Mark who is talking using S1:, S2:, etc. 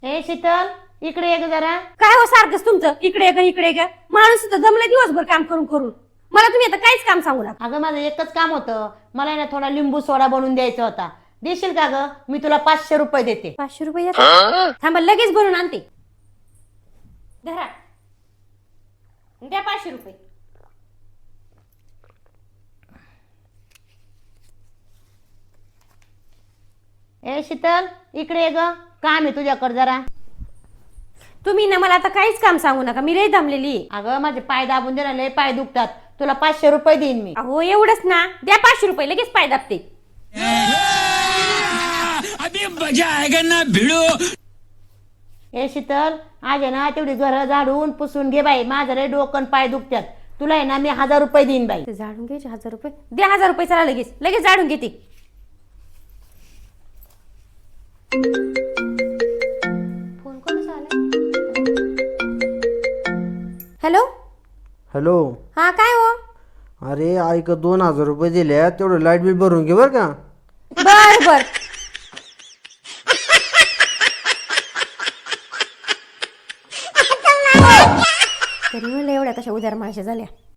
S1: ए शीतल, इकडे ये ग जरा.
S2: काय हो सारखंच तुमचं इकडे का इकडे का? माणूस सुद्धा जमलं दिवसभर काम करून करून. मला तुम्ही आता काहीच काम सांगू नका.
S1: अगं माझं एकच काम होतं, मला ना थोडा लिंबू सोडा बनवून द्यायचा होता. देशील का ग? मी तुला 500 रुपये देते.
S2: 500 रुपये देता? थांबा लगेच बनवून आणते. धरा, द्या 500 रुपये.
S1: ए शीतल, इकडे ये ग, काम आहे तुझ्याकडे जरा.
S2: तुम्ही ना मला आता काहीच काम सांगू नका, मी लई दमलेली.
S1: अगं माझे पाय दाबून दे ना, लय पाय दुखतात. तुला 500 रुपये देईन मी.
S2: अहो एवढंच ना, द्या 500 रुपये, लगेच पाय दाबते.
S3: अभी मजा आएगा ना भिड़ो.
S1: ए शीतल, आज आहे ना तेवढी घर झाडून पुसून घे बाई, माझं लय डोकं पाय दुखतात. तुला आहे ना मी 1000 रुपये देईन बाई.
S2: ते झाडून घ्यायचे 1000 रुपये, द्या 1000 रुपये. चला लगेच लगेच झाडून घेते. फोन कोणाचा आलाय? हॅलो.
S4: हॅलो.
S2: हा काय हो?
S4: अरे ऐक, 2000 रुपये दिले, तेवढं लाईट बिल भरून घे बर का.
S2: बर बर. तरी म्हणलं एवढ्या कशा उदार माणसं झाल्या.